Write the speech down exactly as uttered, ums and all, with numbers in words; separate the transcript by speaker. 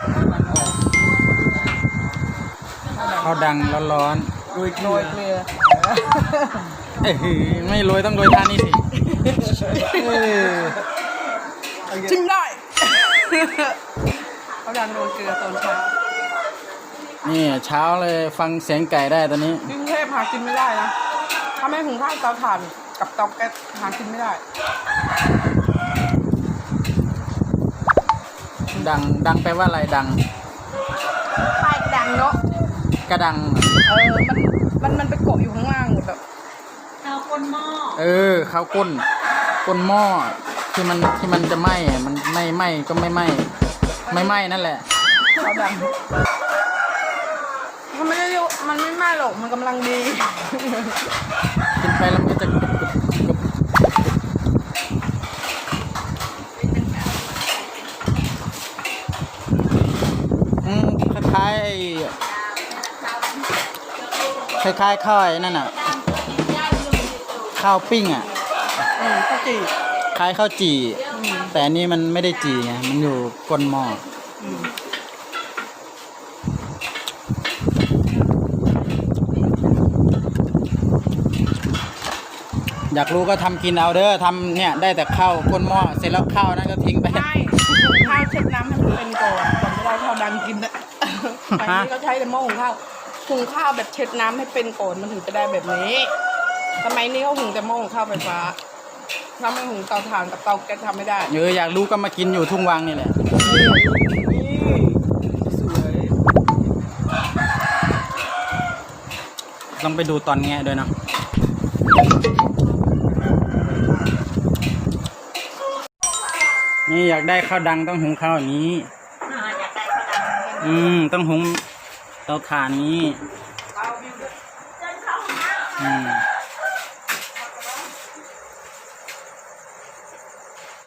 Speaker 1: ข้าวดังร้อนๆโรยโรยเกลือเอ้ยไม่โรยต้องโรยท่านี้สิชิมได้ข้าวดังโรยเกลือตอนเช้านี่เช้าเลยฟังเสียงไก่ได้ตอนนี้กรุงเทพหากินไม่ได้นะถ้าไม่หุงข้าวเตาถ่านกับเตาแก๊สหากินไม่ได้ดังดังแปลว่าอะไรดังไฟกระดังเนาะกระดังเออมันมันมันไปเกาะอยู่ข้างล่างหมดแบบข้าวก้นหม้อเออข้าวก้นก้นหม้อที่มันที่มันจะไหม้มันไม่ไหม้ก็ไม่ไหม้ไม่ไหม้นั่นแหละข้าวดังมันไม่ได้มันไม่ไหม้หรอกมันกำลังดีกินไปแล้วมันจะกรึบกรึบกรึบอืมคล้ายคล้ายคล้ายข้าวนั่นน่ะข้าวปิ้งอ่ะข้าวจี่คล้ายข้าวจี่แต่อันนี้มันไม่ได้จี่ไงมันอยู่ก้นหม้ออยากรู้ก็ทำกินเอาเด้อทำเนี่ยได้แต่ข้าวก้นหม้อเสร็จแล้วข้าวนั้นก็ทิ้งไปใช่ข้าวเช็ดน้ำให้มันเป็นก่อนก่อนจะได้ข้าวดังกินนะอันนี้ก็ใช้แต่หม้อหุงข้าวหุงข้าวแบบเช็ดน้ำให้เป็นก่อนมันถึงจะได้แบบนี้สมัยนี้เขาหุงแต่หม้อหุงข้าวไฟฟ้าถ้าไม่หุงเตาถ่านกับเตาแก๊สทำไม่ได้เอออยากรู้ก็มากินอยู่ทุ่งวังนี่แหละสวยต้องไปดูตอนแงะด้วยเนาะนี่อยากได้ข้าวดังต้องหุงข้าวอย่างนี้อืมต้องหุงเตาถ่านนี้อืม